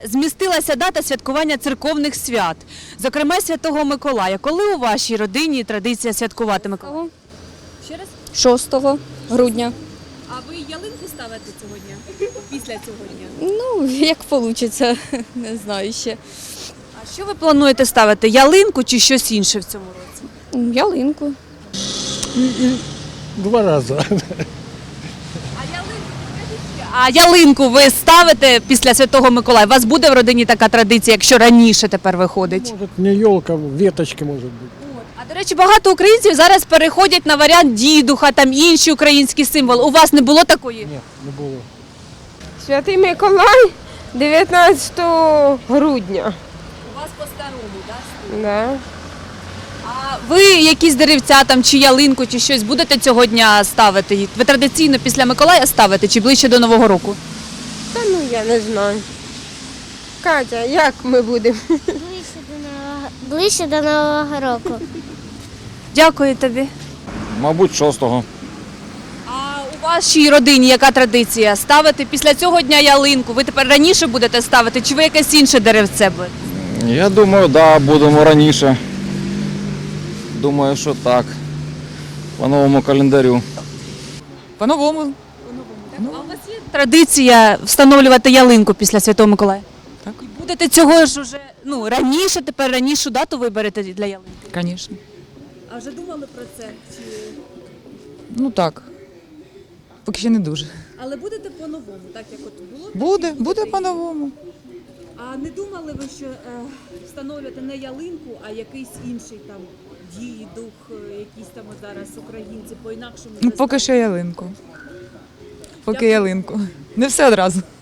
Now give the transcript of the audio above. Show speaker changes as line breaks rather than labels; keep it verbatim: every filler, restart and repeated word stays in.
Змістилася дата святкування церковних свят, зокрема Святого Миколая. Коли у вашій родині традиція святкувати Миколая? Ще раз?
шостого грудня.
А ви ялинку ставите цього дня? Після цього дня?
Ну, як вийде, не знаю ще.
А що ви плануєте ставити? Ялинку чи щось інше в цьому році?
Ялинку.
Два рази.
А ялинку ви ставите після Святого Миколая? У вас буде в родині така традиція, якщо раніше тепер виходить?
Може, не елка, веточки може бути.
А, до речі, багато українців зараз переходять на варіант дідуха, там інші українські символи. У вас не було такої?
Ні, не було.
Святий Миколай дев'ятнадцятого грудня.
У вас по-старому, так?
Да.
А ви якісь деревця там, чи ялинку, чи щось будете цього дня ставити? Ви традиційно після Миколая ставите, чи ближче до Нового року?
Та ну я не знаю. Катя, як ми будемо?
Ближче до нового, ближче до Нового року.
Дякую тобі.
Мабуть, шостого.
А у вашій родині яка традиція? Ставити після цього дня ялинку? Ви тепер раніше будете ставити, чи ви якесь інше деревце будете?
Я думаю, да, будемо раніше. Думаю, що так. По новому календарю.
По-новому.
А у вас є традиція встановлювати ялинку після Святого Миколая?
Так.
І будете цього ж уже ну, раніше, тепер ранішу дату виберете для ялинки?
Звісно.
А вже думали про це? Чи...
Ну так. Поки ще не дуже.
Але будете по-новому, так як от було?
Буде, буде по-новому.
А не думали ви, що е, встановлювати не ялинку, а якийсь інший там дій, дух, е, якісь там от зараз українці по-інакшому?
Ну, поки що ялинку. Поки ялинку. Не все одразу.